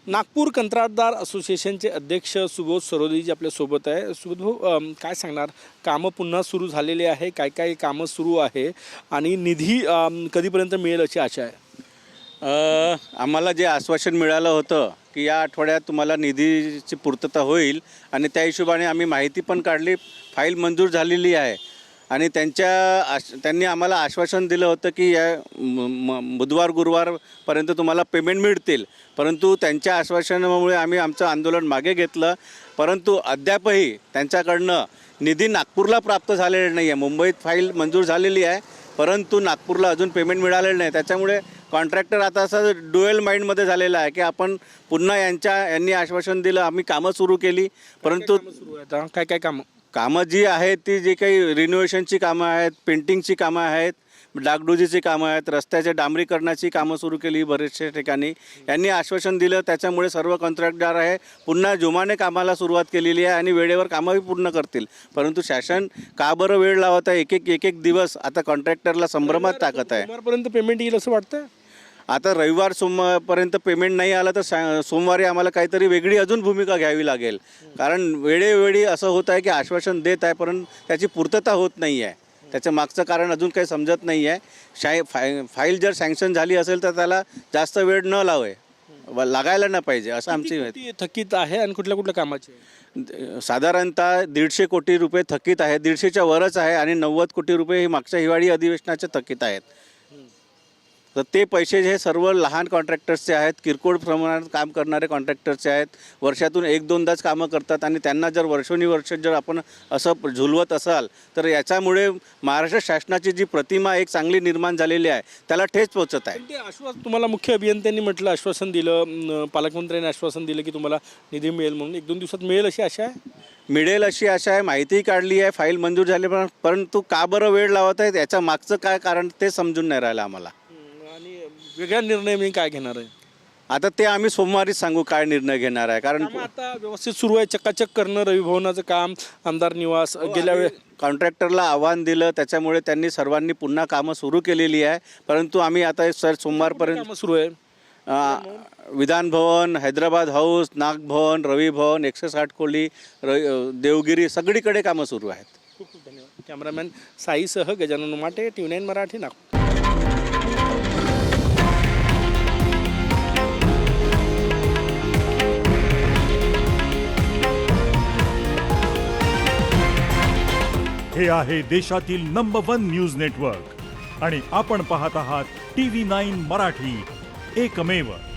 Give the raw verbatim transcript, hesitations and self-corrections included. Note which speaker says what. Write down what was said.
Speaker 1: नागपूर कंत्राटदार असोसिएशनचे अध्यक्ष सुबोध सरोदेजी आपल्यासोबत आहे. सुबोध भाऊ, अम, काय सांगणार, कामं पुन्हा सुरू झालेले आहे, काय काय कामं सुरू आहे आणि निधी अम, कधीपर्यंत मिळेल अशी आशा आहे?
Speaker 2: अ, आम्हाला जे आश्वासन मिळालं होतं की या आठवड्यात तुम्हाला निधीची पूर्तता होईल आणि त्या हिशोबाने आम्ही माहिती पण काढली, फाईल मंजूर झालेली आहे आणि त्यांच्या आश त्यांनी आम्हाला आश्वासन दिलं होतं की या म म बुधवार गुरुवारपर्यंत तुम्हाला पेमेंट मिळतील. परंतु त्यांच्या आश्वासनामुळे आम्ही आमचं आंदोलन मागे घेतलं. परंतु अद्यापही त्यांच्याकडनं निधी नागपूरला प्राप्त झालेला नाही आहे. मुंबईत फाईल मंजूर झालेली आहे, परंतु नागपूरला अजून पेमेंट मिळालेलं नाही. त्याच्यामुळे कॉन्ट्रॅक्टर आता असं डुएल माइंडमध्ये झालेला आहे की आपण पुन्हा यांच्या यांनी आश्वासन दिलं, आम्ही कामं सुरू केली, परंतु
Speaker 1: सुरू आहे काय काय कामं?
Speaker 2: कामं जी आहेत ती जी काही रिनोव्हेशनची कामं आहेत, पेंटिंगची कामं आहेत, डागडुजीची कामं आहेत, रस्त्याच्या डांबरीकरणाची कामं सुरू केली बरेचशा ठिकाणी. यांनी आश्वासन दिलं, त्याच्यामुळे सर्व कॉन्ट्रॅक्टदार आहे पुन्हा जोमाने कामाला सुरुवात केलेली आहे आणि वेळेवर कामंही पूर्ण करतील. परंतु शासन का बरं वेळ लावत आहे? एक एक एक एक दिवस आता कॉन्ट्रॅक्टरला संभ्रमात टाकत आहे.
Speaker 1: सोमवारपर्यंत पेमेंट येईल असं वाटतं?
Speaker 2: आता रविवार सोमवारपर्यंत पेमेंट नाही आलं तर सा सोमवारी आम्हाला काहीतरी वेगळी अजून भूमिका घ्यावी लागेल. कारण वेळोवेळी असं होत आहे की आश्वासन देत आहे परंतु त्याची पूर्तता होत नाही आहे. त्याचं मागचं कारण अजून काही समजत नाही आहे. शाय फाय फाईल जर सँक्शन झाली असेल तर त्याला जास्त वेळ न लावे लागायला न पाहिजे असं आमची
Speaker 1: किती थकीत आहे आणि कुठल्या कुठल्या कामाचे?
Speaker 2: साधारणतः दीडशे कोटी रुपये थकीत आहे, दीडशेच्या वरच आहे आणि नव्वद कोटी रुपये ही मागच्या हिवाळी अधिवेशनाचे थकीत आहेत. तर ते पैसे जे सर्व लहान कॉन्ट्रॅक्टर्सचे आहेत, किरकोळ प्रमाणात काम करणारे कॉन्ट्रॅक्टर्सचे आहेत, वर्षातून एक दोनदाच कामं करतात आणि त्यांना जर वर्षोनिवर्ष जर आपण असं झुलवत असाल तर याच्यामुळे महाराष्ट्र शासनाची जी प्रतिमा एक चांगली निर्माण झालेली आहे त्याला ठेच पोचत आहे.
Speaker 1: ते आश्वासन तुम्हाला मुख्य अभियंत्यांनी म्हटलं, आश्वासन दिलं, अं, पालकमंत्र्यांनी आश्वासन दिलं की तुम्हाला निधी मिळेल म्हणून, एक दोन दिवसात मिळेल अशी आशा आहे?
Speaker 2: मिळेल अशी आशा आहे, माहिती काढली आहे, फाईल मंजूर झाली, पण परंतु का बरं वेळ लावत आहेत याच्या मागचं काय कारण ते समजून नाही राहिलं आम्हाला.
Speaker 1: आणि वेगळा निर्णय मी काय घेणार आहे
Speaker 2: आता ते आम्ही सोमवारीच सांगू काय निर्णय घेणार आहे. कारण
Speaker 1: कामं आता व्यवस्थित सुरू आहे, चकाचक करणं रवी भवनाचं काम, आमदार निवास गेल्या वेळे
Speaker 2: कॉन्ट्रॅक्टरला आव्हान दिलं, त्याच्यामुळे त्यांनी सर्वांनी पुन्हा कामं सुरू केलेली आहे. परंतु आम्ही आता सर सोमवारपर्यंत
Speaker 1: कामं सुरू आहे.
Speaker 2: विधान भवन, हैदराबाद हाऊस, नागभवन, रवी भवन, एकशे साठ खोली, र देवगिरी सगळीकडे कामं सुरू आहेत.
Speaker 1: खूप खूप धन्यवाद. कॅमेरामॅन साईसह Gajanan Umate, T V nine Marathi, Nagpur.
Speaker 3: हे आहे देशातील नंबर वन न्यूज नेटवर्क आणि आपण पाहत आहात टी व्ही नाईन मराठी, एकमेव.